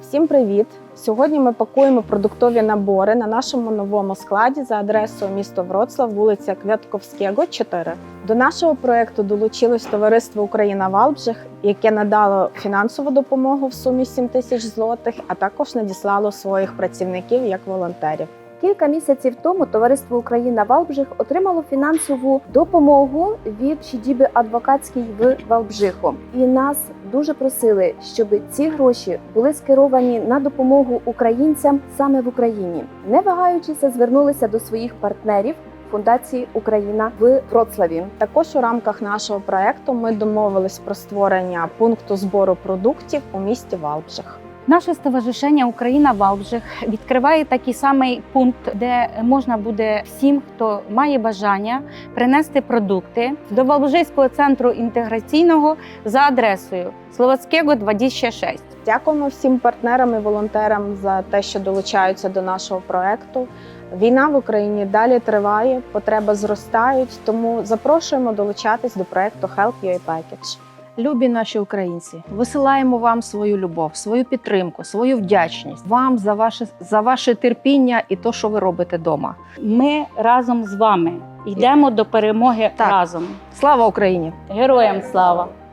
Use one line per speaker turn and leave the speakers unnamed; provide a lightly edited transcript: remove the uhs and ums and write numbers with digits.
Всім привіт! Сьогодні ми пакуємо продуктові набори на нашому новому складі за адресою місто Вроцлав, вулиця Квятковського, 4. До нашого проєкту долучилось товариство «Україна Валбжих», яке надало фінансову допомогу в сумі 7 тисяч злотих, а також надіслало своїх працівників як волонтерів.
Кілька місяців тому товариство «Україна Валбжих» отримало фінансову допомогу від сідіби адвокатської в Валбжиху. І нас дуже просили, щоб ці гроші були скеровані на допомогу українцям саме в Україні. Не вагаючися, звернулися до своїх партнерів Фундації «Україна» в Вроцлаві.
Також у рамках нашого проєкту ми домовились про створення пункту збору продуктів у місті Валбжих.
Наше ставажишення «Україна Валбжих» відкриває такий самий пункт, де можна буде всім, хто має бажання, принести продукти до Валбжийського центру інтеграційного за адресою Словацького, 26.
Дякуємо всім партнерам і волонтерам за те, що долучаються до нашого проєкту. Війна в Україні далі триває, потреби зростають, тому запрошуємо долучатись до проєкту Help UA Package.
Любі наші українці, висилаємо вам свою любов, свою підтримку, свою вдячність вам за ваше терпіння і те, що ви робите вдома.
Ми разом з вами йдемо до перемоги разом.
Слава Україні!
Героям слава!